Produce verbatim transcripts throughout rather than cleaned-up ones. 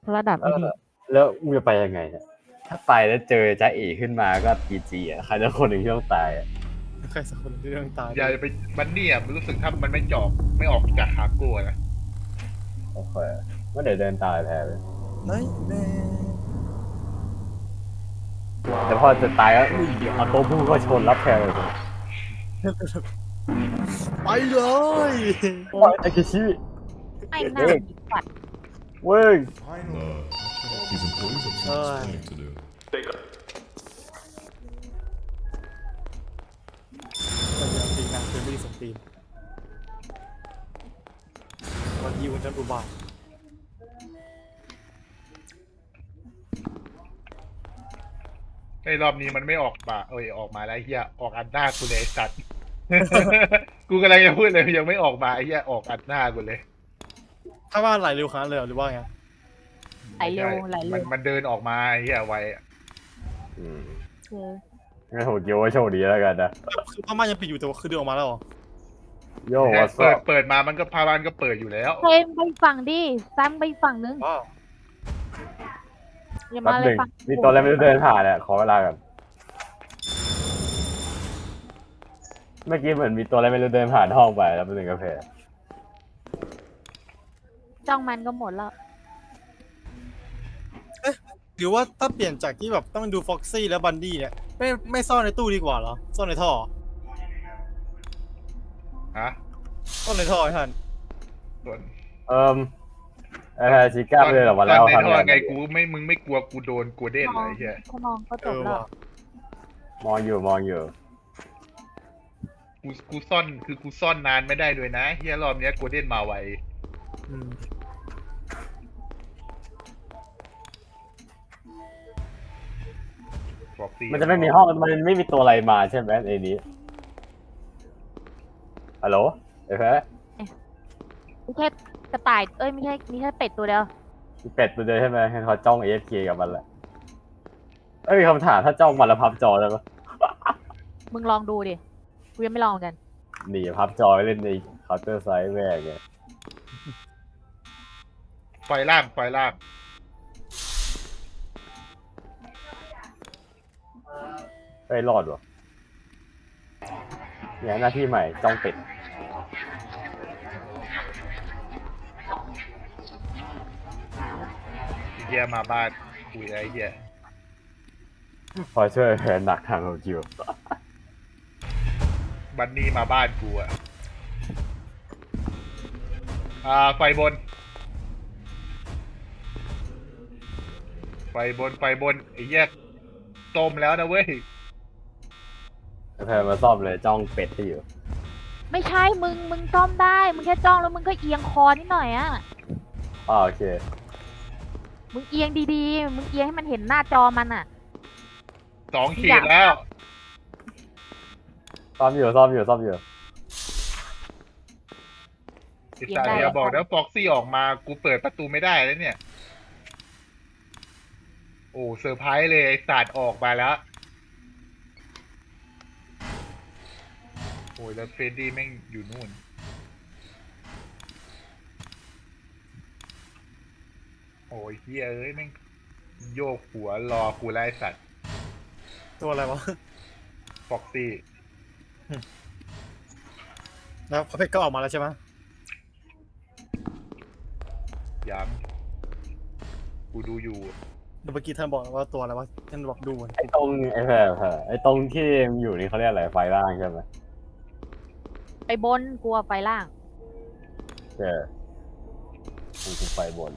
ระดับเออีอ แล้วกูจะไปยังไงเนี่ยถ้าไปแล้วเจอจ๊ะเอ๋ขึ้นมาก็ จี จี อ่ะใครจะคนหนึ่งที่ต้องตายอ่ะใครสักคนที่ต้องตายอย่าไปบันนี่อ่ะมันรู้สึกถ้ามันไม่จอกไม่ออกจากคาโก้นะโอเคก็เดี๋ยวเดินตายแพ้ไปเฮ้ยแม่แล้วพอจะตายก็อุ้ยเอาโต๊ะพุ่งก็ชนรับแพ้เลยไปเลยโอ้ยไอคิชิไอ้หน้าปัดเว้ย These employees have some explaining to do. มันจะตีนางเป็นไม่ดีสมตีนวันยิวจันอุบาทในรอบนี้มันไม่ออกมาเอ้ยออกมาแล้วไอ้เฮียออกอันหน้ากูเลยไอ้สัตว์ กูกำลังจะพูดเลยยังไม่ออกมาไอ้เฮียออกอันหน้ากูเลยถ้าว่าไหลเร็วขนาดเลยหรือว่าไงไหลเร็วไหลมัเร็นวมันเดินออกมาไอ้เฮียไวอะอืมเอองั้นผมคิดว่าโชคดีแล้วกันนะคือผ้าม่านยังปิดอยู่แต่ว่าคือเดินออกมาแล้วเหรอโย่วัสเปิดุดเปิดมามันก็พาบ้านก็เปิดอยู่แล้วเพลงไปฝั่งดิซ้ำไปฝั่งนึงว้าวอย่าแป๊มาบเลหยนึ่งฝั่งมีตัวอะไรไม่รู้เดินผ่านเนี่ยขอเวลาก่อนเมื่อกี้เหมือนมีตัวอะไรไม่รู้เดินผ่านห้องไปแล้วเป็นหนึ่งกาแฟจ้องมันก็หมดแล้วหรือว่าถ้าเปลี่ยนจากที่แบบต้องดูฟ็อกซี่แล้วบันดี้เนี่ยไม่ไม่ซ่อนในตู้ดีกว่าเหรอซ่อนในท่อฮะซ่อนในท่อไอ้ท่านส่วนเอิ่มไอ้แพชิก้าไม่ได้หรอกวันแล้วตอนในทำท่องานไงกูไม่มึงไม่กลัวกูโดนกูเด่นมเลองยไอ้เฮียถ้ามองก็เอจบอแล้วว่ะมองอยู่มองอยู่กูกูซ่อนคือกูซ่อนนานไม่ได้ด้วยนะเฮียรอบเนี้ยกูเด่นมาไวอืมบอกสิมันจะไม่มีห้องมันไม่มีตัวอะไรมาใช่ไหมในนี้ฮัลโหลไอ้แพ้ไม่ใช่กระต่ายเอ้ยไม่ใช่ไม่ใช่เป็ดตัวเดียวมีเป็ดตัวเดียวใช่ไหมเห็นเขาจ้อง เอ เอฟ เค กับมันแหละเอ้ยมีคำถามถ้าจ้องมันแล้วพับจอได้ปะมึงลองดูดิกูยังไม่ลองเหมือนกันหนีพับจอไปเล่นในเคาน์เตอร์ไซด์แม่งไงไฟล่างไฟล่างไปรอดวะเนี่ยหน้าที่ใหม่จ้องเป็ดไอ้เฮียมาบ้านคุยไอ้เฮียพอช่วยแผนหนักทางของจิวบันนี่มาบ้านกูอะอ่าไฟบน ไฟบนไฟบนไอ้เหี้ยต้มแล้วนะเว้ยแผนมาซ่อมเลยจ้องเป็ดที่อยู่ไม่ใช่มึงมึงซ่อมได้มึงแค่จ้องแล้วมึงก็เอียงคอนิดหน่อยอะอ๋อโอเคมึงเอียงดีๆมึงเอียงให้มันเห็นหน้าจอมันอะสองขีดแล้วซ่อมอยู่ซ่อมอยู่ซ่อมอยู่ไอ้สายอย่าบอกนะฟ็อกซี่ออกมากูเปิดประตูไม่ได้แล้วเนี่ย โอ้เซอร์ไพรส์เลยไอ้สัตว์ออกมาแล้ว โอ้ยแล้วเฟรดดี้แม่งอยู่นู่น โอ้ยเฮียเอ้ยแม่งโยกหัวรอกูไล่สัตว์ตัวอะไรวะฟ็อกซี่แล้วพอเพชรก็ออกมาแล้วใช่ไหมย้ำกูดูอยู่เดี๋ยวเมื่อกี้ท่านบอกว่าตัวอะไรวะท่านบอกดูมันไอ้ตรงไอ้แผนไอ้ตรงที่มันอยู่นี่เขาเรียกอะไรไฟล่างใช่ไหมไปบนกลัวไฟล่างเออมันคือไฟบน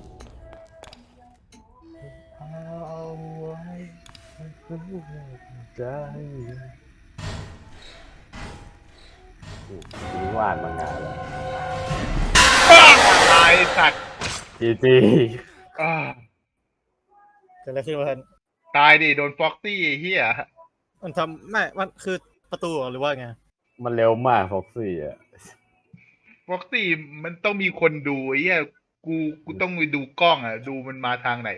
เอาไว้ให้คุณใจอืมนี่วาดมางานแล้วตายสัตว์จีจีอ่าเกิดอะไรขึ้นวะท่านตายดิ โดนฟ็อกซี่ไอ้เฮียมันทำไม่มันคือประตูเหรอหรือว่าไงมันเร็วมากฟ็อกซี่อ่ะฟ็อกซี่มันต้องมีคนดูไอ้เฮียกูกูต้องไปดูกล้องอ่ะ ดูมันมาทางไหน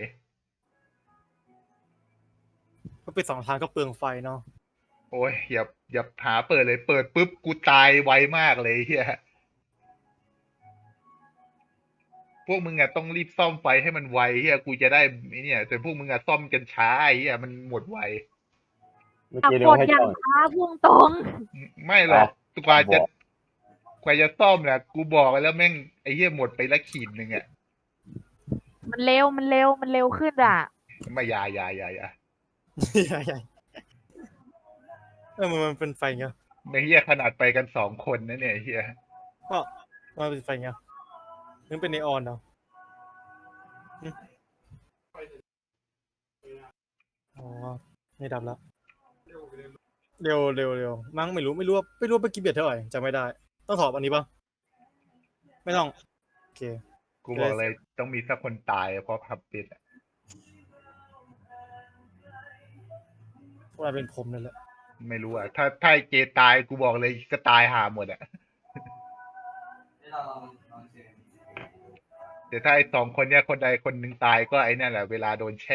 ก็ปิดสองทางก็เปลืองไฟเนาะโอ้ยอย่าอย่าหาเปิดเลย เปิดปุ๊บกูตายไวมากเลยไอ้เฮียพวกมึงอะต้องรีบซ่อมไฟให้มันไวเฮียกูจะได้ไอ้เนี่ยแต่พวกมึงอะซ่อมกันช้าไอ้เฮียมันหมดไวเมื่อขับกี้กเรียกดให้อย่าจ้งองช้าพุ่งตรงไม่หรอกกว่าจะบอกกว่าจะซ่อมนะกูบอกไปแล้วแม่งไอ้เหี้ยหมดไปละขีดหนึ่งอะมันเร็วมันเร็วมันเร็วขึ้นอ่ะมายายายายาใหญ่ๆเออมันมันเป็นไฟเงี้ยไม่เหี้ยขนาดไปกันสองคนนะเนี่ยไอ้เหี้ยก็มันเป็นไฟเงี้ยนึกเป็นเนออนเนาะอืมอ๋อไม่ดับแล้วเร็วเร็วเร็วมั้งไม่รู้ไม่รู้ว่าไม่รู้ว่าเมื่อกี้เบียดเท่าไหร่จำไม่ได้ ต้องถอดอันนี้ปะไม่ต้องโอเคกูบอกเลยต้องมีสักคนตายเพราะพับปิดอะพวกเราเป็นผมนั่นแหละไม่รู้อะถ้าถ้าไอ้เจตายกูบอกเลยก็ตายหาหมดอะแต่ถ้าไอ้สองคนเนี้ยคนใดคนหนึ่งตายก็ไอ้นั่นแหละเวลาโดนแช่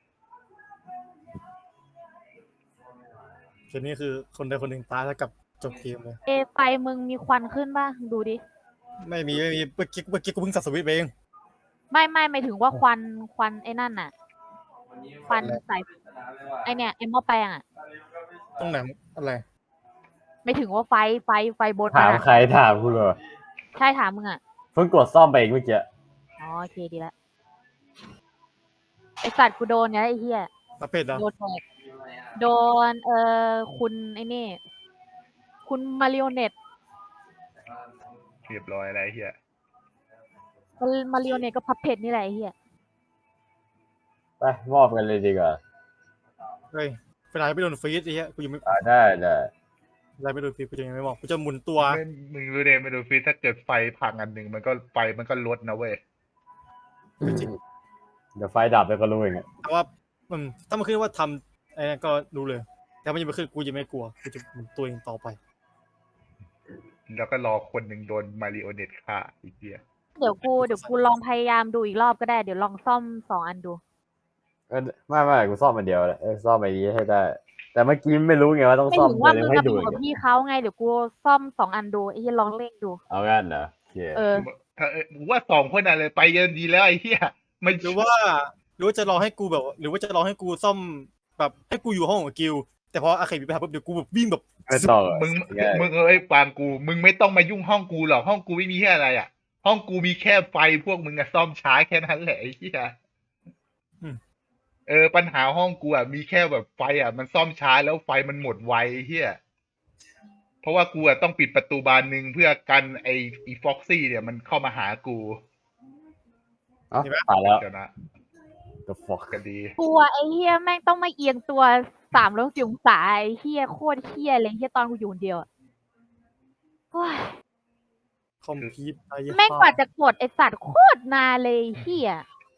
ทีนี้คือคนใดคนหนึ่งตายแล้วกับจบเกมเลยเอไฟมึงมีควันขึ้นป่ะดูดิไม่มีไม่มีเมื่อกี้เมื่อกี้กูเพิ่งสับสวิตช์ไปเองไม่ไม่ไม่ถึงว่าควันควันไอ้นั่นน่ะ ควันใส่ไอเนี่ยไอหม้อแปลงอ่ะตรงไหนอะไรไม่ถึงว่าไฟไฟไฟบนถามอะใครถามกูเลยใช่ถามมึงอ่ะเพิ่งกดซ่อมไปเองเมื่อกี้อ๋อโอเคดีละไอสัตว์กูโดนเนี่ยไอเหี้ยประเภทเหรอโดนแทกโดนเอ่อคุณไอ้นี่ คุณมาริโอเน็ตเรียบร้อยอะไรเหี้ยมาริโอเน็ตก็พับเพจนี่แหละไอ้เหี้ยไปมอบกันเลยดีกว่าเฮ้ยเวลาไม่โดนฟรีดไอ้เหี้ยกูยังไม่อ่าได้ได้เวลาไม่โดนฟรีดกูจะยังไม่บอกกูจะหมุนตัวไม่มึงรู้เดไม่ดูฟิตถ้าเกิดไฟพังอันหนึ่งมันก็ไฟมันก็ลดนะเว้ยจริงเดี๋ยวไฟดับแล้วก็รู้เองอะแต่ว่ามันถ้ามันขึ้นว่าทำไอ้นั่นก็รู้เลยแต่มันยังไม่ขึ้นกูยังไม่กลัวกูจะหมุนตัวเองต่อไปแล้วก็รอคนหนึ่งโดนมาริโอเน็ตฆ่าอีกเหี้ยเดี๋ยวกูเดี๋ยวกูลองพยายามดูอีกรอบก็ได้เดี๋ยวลองซ่อมสองอันดูเออไม่ไม่กูซ่อมมันเดียวแหละเออซ่อมไปนี้ให้ได้ แต่เมื่อกี้ไม่รู้ไงว่าต้องไม่ซ่อมถึงว่าเลมึยงให้จะไปดูอยู่อีกับกพี่เขาไงเดี๋ยวกูซ่อมสองอันดูไอ้เหี้ยลองเล่งดูเอางั้นเหรอโอเคเออถ้าเออกูว่าสองคนอะไรไปเยอะดีแล้วไอ้เหี้ยมันหรือว่าหรือว่าจะรอให้กูแบบหรือว่าจะรอให้กูซ่อมแบบให้กูอยู่ห้องของกิลแต่พออาเคบีไปหาปุ๊บเดี๋ยวกูแบบวิ่งแบบไม่ต้องอะมึงง่ายมึงเอ้ยปางกู มึงไม่ต้องมายุ่งห้องกูหรอกห้องกูไม่มีแค่อะไรอ่ะ ห้องกูมีแค่ไฟพวกมึงอะซ่อมช้าแค่นั้นแหละไอ้เหี้ยเออปัญหาห้องกูอ่ะมีแค่แบบไฟอ่ะมันซ่อมช้าแล้วไฟมันหมดไวไอ้เหี้ยเพราะว่ากูอ่ะต้องปิดประตูบานหนึ่งเพื่อกันไอ้อีฟ็อกซี่เนี่ยมันเข้ามาหากูเอ้าผ่านแล้วเดี๋ยวนะ the fuck ก็ดีกลัวไอ้เหี้ยแม่งต้องมาเอียงตัวสามร้อยสิบองศาไอ้เหี้ยโคตรเหี้ยเลยเหี้ยตอนกูอยู่คนเดียวอะโอ้ยคอมพิวต์ไอ้แม่งกว่าจะกดไอสัตว์โคตรนานเลยไอ้เหี้ย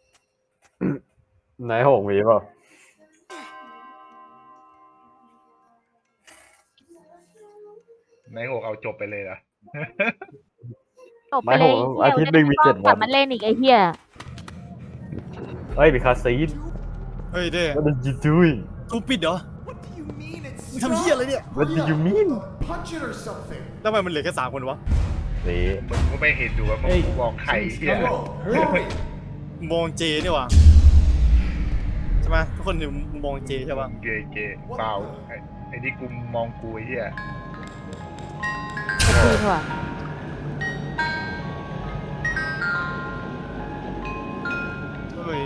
ไหนหกมีเปล่าในหกเอาจบไปเลยเหรอจบไปเลยอาทิตย์หนึ่งมีเจ็ดกวัลับนมาเล่นอีกไอ้เหี้ยเฮ้ยมีคาซีนเฮ้ยเด้ What are you doing กูปิดเหรอ What do you mean it's มึงทำเหี้ยอะไรเนี่ย What do you mean Punch it or something. แล้วทำไมมันเหลือแค่สามคนวะสีมึงก็ไม่เห็นดูว่ามึงบอกใครเหี้ย Come on, hurry. มองเจนี่หว่าใช่ไหมทุกคนอยู่มองเจใช่ปะเกย์เกย์เปล่าไอ้ไอ้นี่กูมองกูไอ้เหี้ยไอ้จีนว่ะเฮ้ย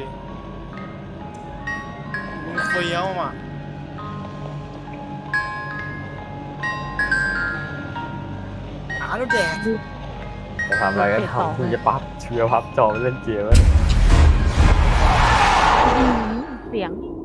มึงเฟี้ยวอ่ะหาแล้วแดกจะทำอะไรก็ทำคุณจะปั๊บเชื่อพับจอเล่นเกมวะอื้อหือเสียง